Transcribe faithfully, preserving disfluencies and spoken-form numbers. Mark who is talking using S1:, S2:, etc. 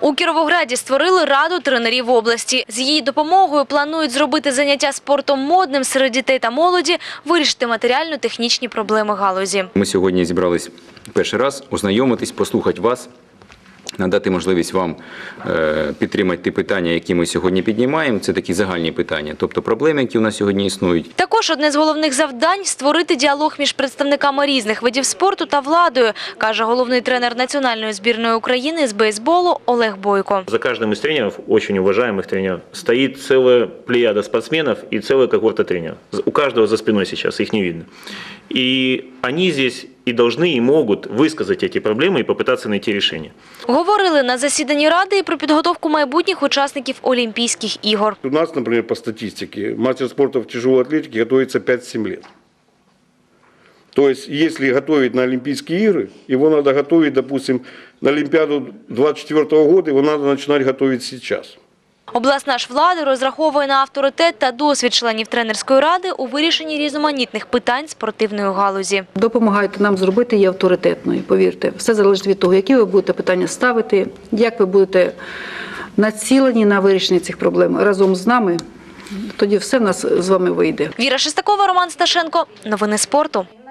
S1: У Кіровограді створили раду тренерів області. З її допомогою планують зробити заняття спортом модним серед дітей та молоді, вирішити матеріально-технічні проблеми галузі.
S2: Ми сьогодні зібрались перший раз ознайомитись, послухати вас, надати можливість вам підтримати ті питання, які ми сьогодні піднімаємо. Це такі загальні питання, тобто проблеми, які у нас сьогодні існують.
S1: Також одне з головних завдань – створити діалог між представниками різних видів спорту та владою, каже головний тренер національної збірної України з бейсболу Олег Бойко.
S3: За каждым из тренеров, очень уважаемых тренеров, стоит целая плеяда спортсменов и целая когорта тренеров. У каждого за спиной сейчас, их не видно. И они здесь и должны, и могут высказать эти проблемы и попытаться найти решение.
S1: Говорили на засіданні Ради і про підготовку майбутніх учасників Олімпійських ігор.
S4: У нас, например, по статистике, мастер спорта в тяжелой атлетике готовится пять-семь лет. То есть, если готовить на Олимпийские игры, его надо готовить, допустим, на Олимпиаду двадцать четвёртого года, его надо начинать готовить сейчас.
S1: Обласна ж влада розраховує на авторитет та досвід членів тренерської ради у вирішенні різноманітних питань спортивної галузі.
S5: Допомагайте нам зробити її авторитетною, повірте. Все залежить від того, які ви будете питання ставити, як ви будете націлені на вирішення цих проблем разом з нами. Тоді все в нас з вами вийде.
S1: Віра Шестакова, Роман Сташенко. Новини спорту.